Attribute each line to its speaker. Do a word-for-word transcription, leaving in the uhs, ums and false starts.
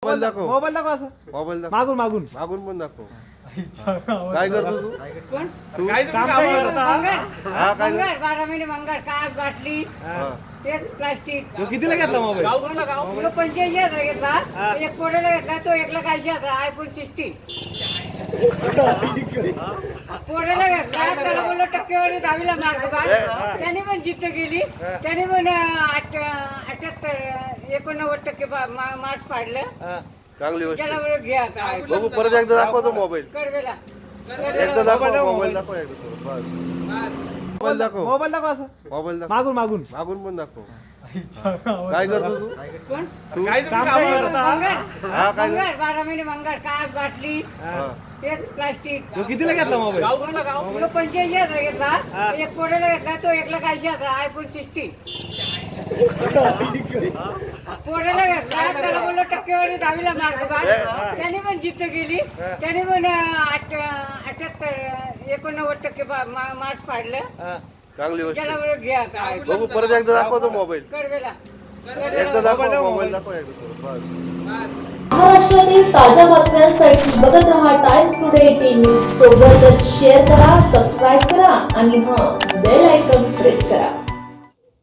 Speaker 1: Mobile दाखव.
Speaker 2: Mobile दाखव असं
Speaker 1: मोबाईल दाखव.
Speaker 2: मागून मागून
Speaker 1: मागून पण दाखव. काय करतो तू?
Speaker 3: कोण?
Speaker 1: तू
Speaker 2: काय काम काय करत होता?
Speaker 3: मंगळ
Speaker 1: हा, काय करतो?
Speaker 3: मंगळ बारा महिने मंगळ काच बाटली
Speaker 1: हा.
Speaker 3: तेच प्लास्टिक
Speaker 2: तो कितीला घेतला मोबाईल
Speaker 3: तो पंच्याऐंशी हजार घेतला
Speaker 2: हा.
Speaker 3: एक पोड्याला घेतला तो एक लाख ऐंशी हजार आयफोन सिक्स्टीन पोड्याला घेतला त्याला बोललो टक्केवारी दहावीला मार्क का त्याने पण जिद्द केली त्याने पण आठ अठ्याहत्तर एकोणनव्वद टक्के मार्क्स पाडलं
Speaker 1: चांगली गोष्ट
Speaker 3: त्याला
Speaker 1: आहे.
Speaker 3: बोललो घ्या काय
Speaker 1: बघू परत एकदा दाखवतो मोबाईल.
Speaker 3: कडवेला
Speaker 1: एकदा दाखव
Speaker 2: मोबाईल दाखव,
Speaker 1: मोबाईल
Speaker 2: मोबाईल.
Speaker 1: दाखव एकदा थोडं. बस. मोबाईल दाखव.
Speaker 2: मोबाईल दाखव असं
Speaker 1: मोबाईल दाखव.
Speaker 2: मागून मागून
Speaker 1: मागून पण दाखव. काय करतो तू?
Speaker 3: कोण?
Speaker 1: तू
Speaker 2: काय काम काय करत होता?
Speaker 3: मंगळ
Speaker 1: हा, काय करतो?
Speaker 3: मंगळ बारा महिने मंगळ काच बाटली
Speaker 1: हा.
Speaker 3: तेच प्लास्टिक
Speaker 2: तो कितीला घेतला मोबाईल
Speaker 3: तो पंच्याऐंशी हजार
Speaker 2: हा.
Speaker 3: घेतला एक पोड्याला घेतला तो एक लाख ऐंशी हजार आयफोन सिक्स्टीन पोड्याला घेतला त्याला बोललो टक्केवारी दहावीला मार्क का त्याने पण जिद्द केली त्याने पण आठ अठ्याहत्तर एकोणनव्वद टक्के मार्क्स पाडलं
Speaker 1: चांगली गोष्ट
Speaker 3: त्याला
Speaker 1: आहे.
Speaker 3: बोललो घ्या काय
Speaker 1: बघू परत एकदा दाखवतो मोबाईल.
Speaker 3: कडवेला
Speaker 1: एकदा दाखव
Speaker 2: मोबाईल दाखव,
Speaker 1: मोबाईल
Speaker 2: मोबाईल.
Speaker 1: दाखव एकदा थोडं. बस.
Speaker 4: महाराष्ट्रातील ताज्या बातम्यांसाठी बघत रहा टाइम्स टुडे टीव्ही सोबतच शेअर करा, सबस्क्राईब करा आणि हां बेल आयकॉन प्रेस करा.